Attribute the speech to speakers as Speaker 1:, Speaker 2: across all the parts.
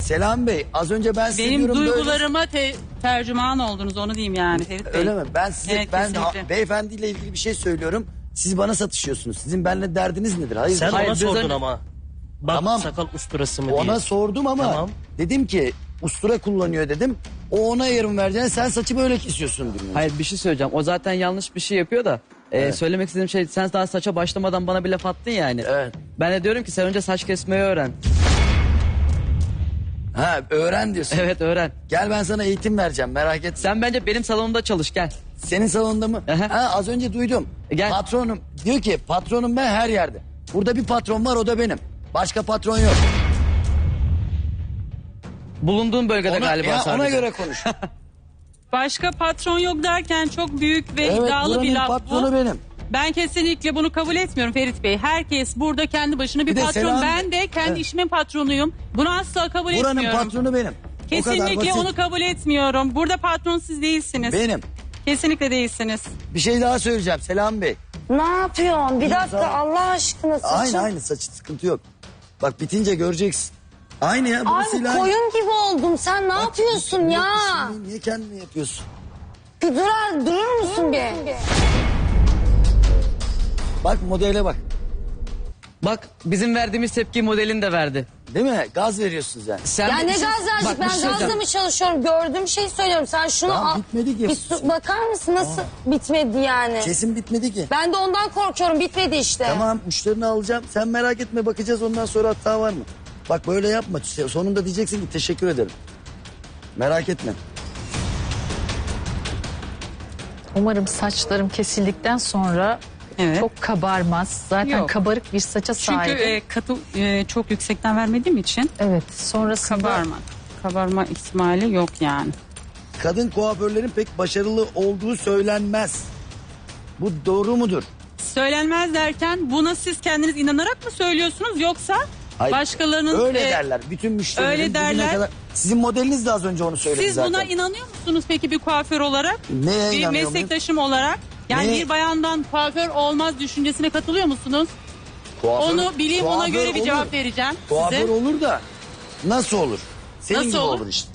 Speaker 1: Selam Bey, az önce ben size
Speaker 2: Benim
Speaker 1: diyorum böyle...
Speaker 2: duygularıma tercüman oldunuz, onu diyeyim yani Ferit Bey.
Speaker 1: Öyle mi? Ben size
Speaker 2: Evet, kesinlikle.
Speaker 1: beyefendiyle ilgili bir şey söylüyorum. Siz bana satışıyorsunuz. Sizin benimle derdiniz nedir? Hayır.
Speaker 3: Sen
Speaker 1: Hayır,
Speaker 3: ona
Speaker 1: biz
Speaker 3: sordun
Speaker 1: önce-
Speaker 3: ama. Bak
Speaker 1: Tamam.
Speaker 3: sakal usturası mı diye.
Speaker 1: Ona sordum ama
Speaker 3: Tamam.
Speaker 1: dedim ki ustura kullanıyor dedim. O ona yarım vereceğine sen saçı böyle kesiyorsun diyorum.
Speaker 4: Hayır bir şey söyleyeceğim. O zaten yanlış bir şey yapıyor da. Söylemek istediğim şey, sen daha saça başlamadan bana bir laf attın yani.
Speaker 1: Evet.
Speaker 4: Ben de diyorum ki sen önce saç kesmeyi öğren.
Speaker 1: Ha, öğren diyorsun.
Speaker 4: Evet öğren.
Speaker 1: Gel ben sana eğitim vereceğim, merak etme.
Speaker 4: Sen bence benim salonumda çalış, gel.
Speaker 1: Senin salonda mı?
Speaker 4: Aha.
Speaker 1: Ha, az önce duydum.
Speaker 4: Gel.
Speaker 1: Patronum diyor ki patronum ben her yerde. Burada bir patron var, o da benim. Başka patron yok.
Speaker 4: Bulunduğun bölgede galiba sadece.
Speaker 1: Ona göre konuş.
Speaker 2: Başka patron yok derken çok büyük ve
Speaker 1: Evet,
Speaker 2: iddialı bir
Speaker 1: buranın
Speaker 2: laf
Speaker 1: patronu
Speaker 2: bu.
Speaker 1: benim.
Speaker 2: Ben kesinlikle bunu kabul etmiyorum Ferit Bey. Herkes burada kendi başına bir
Speaker 1: Bir de
Speaker 2: patron.
Speaker 1: Selam-
Speaker 2: Ben de kendi
Speaker 1: Evet.
Speaker 2: işimin patronuyum. Bunu asla kabul
Speaker 1: Buranın
Speaker 2: etmiyorum.
Speaker 1: patronu benim. O kadar
Speaker 2: Kesinlikle
Speaker 1: basit.
Speaker 2: onu kabul etmiyorum. Burada patron siz değilsiniz.
Speaker 1: Benim.
Speaker 2: Kesinlikle değilsiniz.
Speaker 1: Bir şey daha söyleyeceğim Selam Bey.
Speaker 5: Ne yapıyorsun? Bir dakika
Speaker 1: İmza.
Speaker 5: Allah aşkına saçın.
Speaker 1: Aynı saçı, sıkıntı yok. Bak bitince göreceksin. Aynı ya,
Speaker 5: Ay
Speaker 1: burasıyla aynı.
Speaker 5: koyun gibi oldum. Sen ne yapıyorsun
Speaker 1: Bak,
Speaker 5: ya?
Speaker 1: şimdi niye kendini yapıyorsun?
Speaker 5: Bir durur musun bir?
Speaker 1: Bak modele bak.
Speaker 4: Bak bizim verdiğimiz tepki modelin de verdi.
Speaker 1: Değil mi? Gaz veriyorsunuz yani.
Speaker 4: Sen
Speaker 5: Ya ne
Speaker 4: Bak,
Speaker 5: gaz verecek?
Speaker 4: bir
Speaker 5: Ben
Speaker 4: şey
Speaker 5: gazla
Speaker 4: söyleyeceğim.
Speaker 5: mı çalışıyorum? Gördüğüm şeyi söylüyorum. Sen şunu
Speaker 1: Tamam,
Speaker 5: al.
Speaker 1: bitmedi ki.
Speaker 5: Bir bakar mısın nasıl bitmedi yani?
Speaker 1: Kesin bitmedi ki.
Speaker 5: Ben de ondan korkuyorum. Bitmedi işte.
Speaker 1: Tamam, müşterini alacağım. Sen merak etme, bakacağız ondan sonra hata var mı? Bak böyle yapma. Sonunda diyeceksin ki teşekkür ederim. Merak etme.
Speaker 6: Umarım saçlarım kesildikten sonra
Speaker 2: Evet.
Speaker 6: çok kabarmaz. Zaten
Speaker 2: Yok.
Speaker 6: kabarık bir saça
Speaker 2: Çünkü
Speaker 6: sahibim.
Speaker 2: katı çok yüksekten vermediğim için
Speaker 6: Evet, sonrasında
Speaker 2: kabarma ihtimali yok yani.
Speaker 1: Kadın kuaförlerin pek başarılı olduğu söylenmez. Bu doğru mudur?
Speaker 2: Söylenmez derken buna siz kendiniz inanarak mı söylüyorsunuz yoksa
Speaker 1: Hayır,
Speaker 2: başkalarının...
Speaker 1: öyle derler. Bütün müşterilerin
Speaker 2: öyle
Speaker 1: bugüne
Speaker 2: derler.
Speaker 1: kadar... Sizin modeliniz de az önce onu söyledi
Speaker 2: Siz
Speaker 1: zaten.
Speaker 2: buna inanıyor musunuz peki bir kuaför olarak?
Speaker 1: Neye
Speaker 2: Bir
Speaker 1: inanıyor muyum?
Speaker 2: meslektaşım olarak. Yani
Speaker 1: Neye?
Speaker 2: bir bayandan kuaför olmaz düşüncesine katılıyor musunuz?
Speaker 1: Kuaför-
Speaker 2: Onu bileyim, ona
Speaker 1: kuaför
Speaker 2: göre bir
Speaker 1: olur.
Speaker 2: cevap vereceğim
Speaker 1: Kuaför
Speaker 2: size.
Speaker 1: olur da nasıl olur? Senin
Speaker 2: Nasıl
Speaker 1: gibi
Speaker 2: olur?
Speaker 1: olur işte.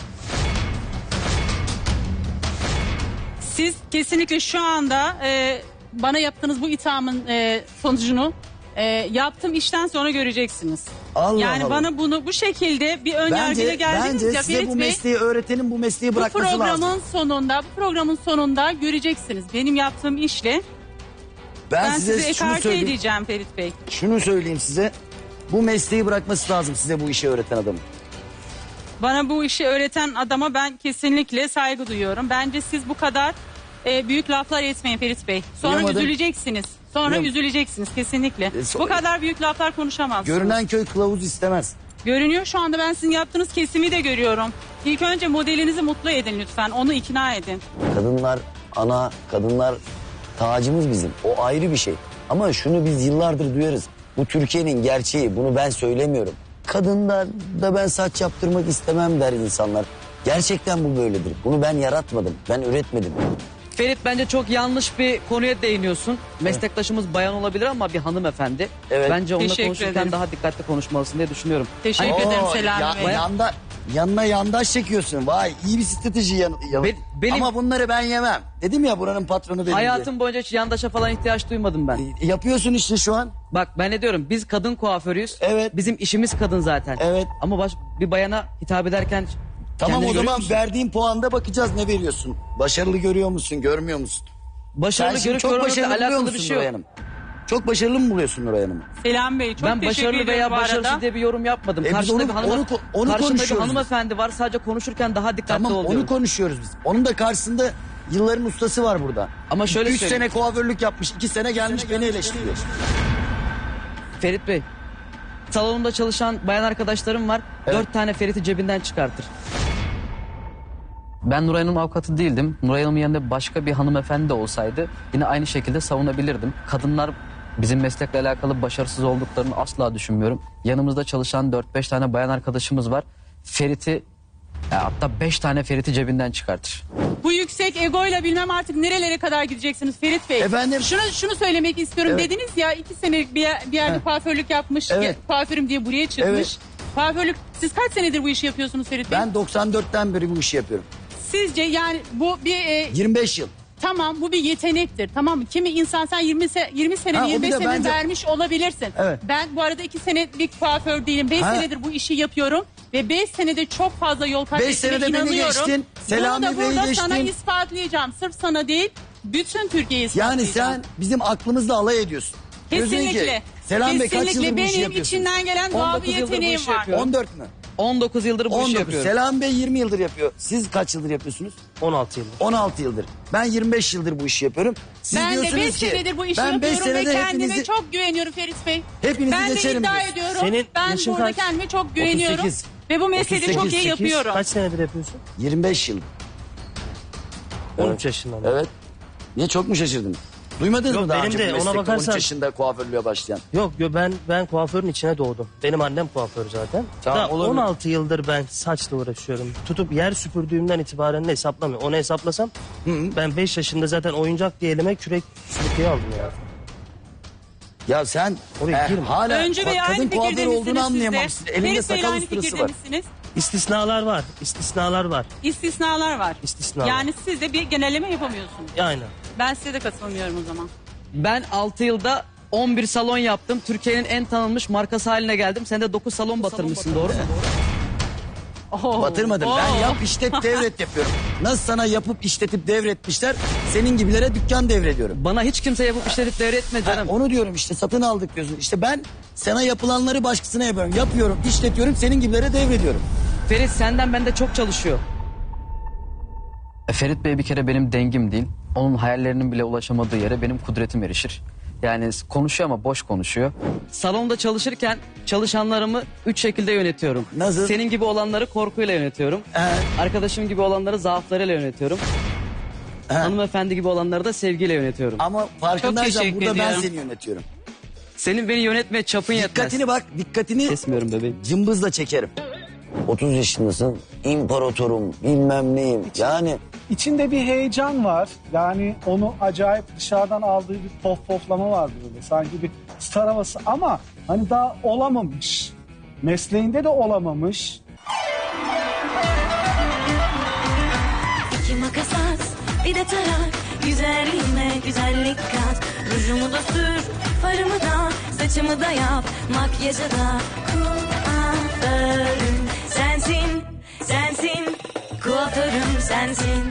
Speaker 2: Siz kesinlikle şu anda bana yaptığınız bu ithamın sonucunu yaptığım işten sonra göreceksiniz.
Speaker 1: Allah
Speaker 2: Yani
Speaker 1: Allah.
Speaker 2: bana bunu bu şekilde bir ön yargıyla geldiniz
Speaker 1: bence
Speaker 2: ya
Speaker 1: size
Speaker 2: Ferit
Speaker 1: bu
Speaker 2: Bey.
Speaker 1: mesleği öğretenin bu mesleği
Speaker 2: Bu
Speaker 1: bırakması lazım.
Speaker 2: programın sonunda göreceksiniz. Benim yaptığım işle ben
Speaker 1: size
Speaker 2: sizi
Speaker 1: şunu
Speaker 2: ekarte
Speaker 1: söyleyeyim.
Speaker 2: edeceğim Ferit Bey.
Speaker 1: Şunu söyleyeyim size. Bu mesleği bırakması lazım size bu işi öğreten adamın.
Speaker 2: Bana bu işi öğreten adama ben kesinlikle saygı duyuyorum. Bence siz bu kadar büyük laflar etmeyin Ferit Bey. Sonra
Speaker 1: Duyamadım.
Speaker 2: üzüleceksiniz. Sonra
Speaker 1: Duyam-
Speaker 2: üzüleceksiniz kesinlikle.
Speaker 1: so-
Speaker 2: Bu kadar büyük laflar konuşamazsınız.
Speaker 1: Görünen köy kılavuz istemez.
Speaker 2: Görünüyor şu anda, ben sizin yaptığınız kesimi de görüyorum. İlk önce modelinizi mutlu edin lütfen. Onu ikna edin.
Speaker 1: Kadınlar ana, kadınlar tacımız bizim. O ayrı bir şey. Ama şunu biz yıllardır duyarız. Bu Türkiye'nin gerçeği. Bunu ben söylemiyorum. Kadınlar da ben saç yaptırmak istemem der insanlar. Gerçekten bu böyledir. Bunu ben yaratmadım. Ben üretmedim.
Speaker 4: Ferit bence çok yanlış bir konuya değiniyorsun. Meslektaşımız bayan olabilir ama bir hanımefendi.
Speaker 1: Evet.
Speaker 4: Bence onunla
Speaker 2: Teşekkür
Speaker 4: konuşurken
Speaker 2: ederim.
Speaker 4: daha dikkatli konuşmalısın diye düşünüyorum.
Speaker 2: Teşekkür ederim Selami Bey.
Speaker 1: Yanına yandaş çekiyorsun. Vay iyi bir strateji
Speaker 4: Benim-
Speaker 1: Ama bunları ben yemem. Dedim ya buranın patronu benim diye.
Speaker 4: Hayatım boyunca hiç yandaşa falan ihtiyaç duymadım ben.
Speaker 1: Yapıyorsun işte şu an.
Speaker 4: Bak ben ne diyorum, biz kadın kuaförüyüz.
Speaker 1: Evet.
Speaker 4: Bizim işimiz kadın zaten.
Speaker 1: Evet.
Speaker 4: Ama bir bayana hitap ederken
Speaker 1: Tamam,
Speaker 4: kendini
Speaker 1: o
Speaker 4: görüyor
Speaker 1: zaman
Speaker 4: musun?
Speaker 1: verdiğin puanda bakacağız ne veriyorsun. Başarılı görüyor musun, görmüyor musun?
Speaker 4: Başarılı
Speaker 1: Sen şimdi
Speaker 4: görüp
Speaker 1: çok
Speaker 4: görmekle
Speaker 1: başarılı buluyor
Speaker 4: alakalı bir
Speaker 1: musun
Speaker 4: şey
Speaker 1: Nuray
Speaker 4: yok.
Speaker 1: Hanım? Çok başarılı mı buluyorsun Nuray Hanım'ı?
Speaker 2: Selam Bey, çok
Speaker 4: Ben
Speaker 2: teşekkür
Speaker 4: başarılı
Speaker 2: ederim
Speaker 4: veya
Speaker 2: bu arada.
Speaker 4: başarısız diye bir yorum yapmadım.
Speaker 1: Biz
Speaker 4: Karşımda
Speaker 1: onu-
Speaker 4: bir
Speaker 1: onu
Speaker 4: karşımda bir
Speaker 1: konuşuyoruz
Speaker 4: hanımefendi var, sadece konuşurken daha dikkatli
Speaker 1: Tamam,
Speaker 4: ol
Speaker 1: onu
Speaker 4: diyorum.
Speaker 1: konuşuyoruz biz. Onun da karşısında yılların ustası var burada.
Speaker 4: Ama şöyle
Speaker 1: 3
Speaker 4: söyleyeyim.
Speaker 1: sene kuaförlük yapmış, 2 sene gelmiş beni eleştiriyor.
Speaker 4: Ferit Bey, salonumda çalışan bayan arkadaşlarım var.
Speaker 1: Evet.
Speaker 4: 4 tane Ferit'i cebinden çıkartır. Ben Nuray Hanım avukatı değildim. Nuray Hanım'ın yanında başka bir hanımefendi de olsaydı yine aynı şekilde savunabilirdim. Kadınlar bizim meslekle alakalı başarısız olduklarını asla düşünmüyorum. Yanımızda çalışan 4-5 tane bayan arkadaşımız var. Ferit'i, hatta 5 tane Ferit'i cebinden çıkartır.
Speaker 2: Bu yüksek egoyla bilmem artık nerelere kadar gideceksiniz Ferit Bey.
Speaker 1: Efendim?
Speaker 2: Şunu söylemek istiyorum.
Speaker 1: Evet.
Speaker 2: Dediniz ya 2 senelik bir yerde kuaförlük yapmış.
Speaker 1: Evet.
Speaker 2: Kuaförüm diye buraya çıkmış.
Speaker 1: Evet.
Speaker 2: Kuaförlük, siz kaç senedir bu işi yapıyorsunuz Ferit Bey?
Speaker 1: Ben 94'ten beri bu işi yapıyorum.
Speaker 2: Sizce yani bu bir
Speaker 1: 25 yıl.
Speaker 2: tamam, bu bir yetenektir, tamam mı? Kimi insan sen 20 sene,
Speaker 1: Ha, o bir
Speaker 2: 25
Speaker 1: de
Speaker 2: sene
Speaker 1: bence-
Speaker 2: vermiş olabilirsin.
Speaker 1: Evet.
Speaker 2: Ben bu arada 2 senelik kuaför değilim. 5
Speaker 1: Ha.
Speaker 2: senedir bu işi yapıyorum ve 5 senede çok fazla yol kat
Speaker 1: 5
Speaker 2: ettiğime
Speaker 1: senede beni
Speaker 2: inanıyorum.
Speaker 1: geçtin, Selami
Speaker 2: Bunu da
Speaker 1: Bey'i
Speaker 2: burada sana
Speaker 1: geçtin.
Speaker 2: ispatlayacağım. Sırf sana değil, bütün Türkiye'ye
Speaker 1: Yani
Speaker 2: ispatlayacağım.
Speaker 1: sen bizim aklımızla alay ediyorsun. Diyorsun ki,
Speaker 2: Kesinlikle.
Speaker 1: Selam Bey kaç
Speaker 2: Kesinlikle
Speaker 1: yıldır bu işi
Speaker 2: benim
Speaker 1: yapıyorsun?
Speaker 2: içinden gelen doğal
Speaker 4: 19
Speaker 2: bir
Speaker 4: yıldır bu
Speaker 2: yeteneğim
Speaker 4: işi
Speaker 2: var.
Speaker 4: yapıyorum.
Speaker 1: 14 mü?
Speaker 4: 19 yıldır bu işi
Speaker 1: 19.
Speaker 4: yapıyorum.
Speaker 1: Selam Bey 20 yıldır yapıyor. Siz kaç yıldır yapıyorsunuz?
Speaker 3: 16 yıldır.
Speaker 1: 16 yıldır. Ben 25 yıldır bu işi yapıyorum. Siz
Speaker 2: Ben de
Speaker 1: diyorsunuz
Speaker 2: 5
Speaker 1: ki
Speaker 2: senedir bu işi
Speaker 1: ben 5
Speaker 2: yapıyorum ve
Speaker 1: senede
Speaker 2: kendime
Speaker 1: hepinizi,
Speaker 2: çok güveniyorum Ferit Bey.
Speaker 1: hepinizi
Speaker 2: Ben de
Speaker 1: geçerim
Speaker 2: iddia
Speaker 1: diyorsun.
Speaker 2: ediyorum.
Speaker 3: Senin
Speaker 2: Ben
Speaker 3: yaşın
Speaker 2: burada
Speaker 3: kaç?
Speaker 2: kendime çok güveniyorum.
Speaker 1: 38.
Speaker 2: Ve bu mesleği de çok
Speaker 1: 38,
Speaker 2: iyi yapıyorum.
Speaker 3: Kaç senedir yapıyorsun?
Speaker 1: 25 yıl.
Speaker 3: 13 yaşından beri.
Speaker 1: Evet. Niye çok mu şaşırdın? Duymadınız
Speaker 3: Yok,
Speaker 1: mı daha
Speaker 3: benim
Speaker 1: önce
Speaker 3: de
Speaker 1: bu
Speaker 3: ona
Speaker 1: meslekte 13
Speaker 3: bakarsan-
Speaker 1: yaşında kuaförlüğe başlayan?
Speaker 3: Yok ben kuaförün içine doğdum. Benim annem kuaför zaten.
Speaker 1: Tamam,
Speaker 3: Da
Speaker 1: olabilir.
Speaker 3: 16 yıldır ben saçla uğraşıyorum. Tutup yer süpürdüğümden itibaren de hesaplamıyorum. Onu hesaplasam ben 5 yaşında zaten oyuncak diye elime kürek süpürgeyi aldım ya.
Speaker 1: Ya sen
Speaker 3: Oraya girme.
Speaker 1: hala
Speaker 2: Öncü Bey
Speaker 1: bak,
Speaker 2: aynı
Speaker 1: kadın kuaför
Speaker 2: fikirde
Speaker 1: olduğunu
Speaker 2: misiniz siz de?
Speaker 1: anlayamamışsın. Elinde
Speaker 2: Ferit Bey'le
Speaker 1: sakal
Speaker 2: aynı
Speaker 1: ıstırası
Speaker 2: fikirde
Speaker 1: var.
Speaker 2: misiniz?
Speaker 3: İstisnalar var. İstisnalar var.
Speaker 2: İstisnalar var.
Speaker 3: İstisnalar.
Speaker 2: Yani siz de bir genelleme yapamıyorsunuz.
Speaker 3: Aynen.
Speaker 2: Ben size de katılmıyorum o zaman.
Speaker 4: Ben 6 yılda 11 salon yaptım. Türkiye'nin en tanınmış markası haline geldim. Sen de 9 salon batırmışsın, doğru mu?
Speaker 1: Batırmadım. Ben yap işlet devret yapıyorum. Nasıl sana yapıp işletip devretmişler, senin gibilere dükkan devrediyorum.
Speaker 4: Bana hiç kimse yapıp işletip devretme canım.
Speaker 1: Onu diyorum işte, satın aldık diyorsun. İşte ben sana yapılanları başkasına yapıyorum. Yapıyorum, işletiyorum, senin gibilere devrediyorum.
Speaker 4: Ferit senden bende çok çalışıyor. Ferit Bey bir kere benim dengim değil. Onun hayallerinin bile ulaşamadığı yere benim kudretim erişir. Yani konuşuyor ama boş konuşuyor. Salonda çalışırken çalışanlarımı 3 şekilde yönetiyorum.
Speaker 1: Nasıl?
Speaker 4: Senin gibi olanları korkuyla yönetiyorum. Arkadaşım gibi olanları zaaflarıyla yönetiyorum. Hanımefendi gibi olanları da sevgiyle yönetiyorum.
Speaker 1: Ama farkındaysan
Speaker 2: teşekkür
Speaker 1: burada ben
Speaker 2: ediyorum.
Speaker 1: seni yönetiyorum.
Speaker 4: Senin beni yönetmeye çapın yetmez.
Speaker 1: Dikkatini bak, dikkatini
Speaker 4: Kesmiyorum bebeğim.
Speaker 1: cımbızla çekerim. 30 yaşındasın, imparatorum, bilmem neyim. Yani
Speaker 7: İçinde bir heyecan var. Yani onu acayip dışarıdan aldığı bir poflama var böyle. Sanki bir star havası ama hani daha olamamış. Mesleğinde de olamamış.
Speaker 8: İki makas at, bir de tarak. Güzelliğime güzellik kat. Rujumu da sür, farımı da, saçımı da yap. Makyajı da kuaförüm sensin, sensin. Kuaförüm sensin.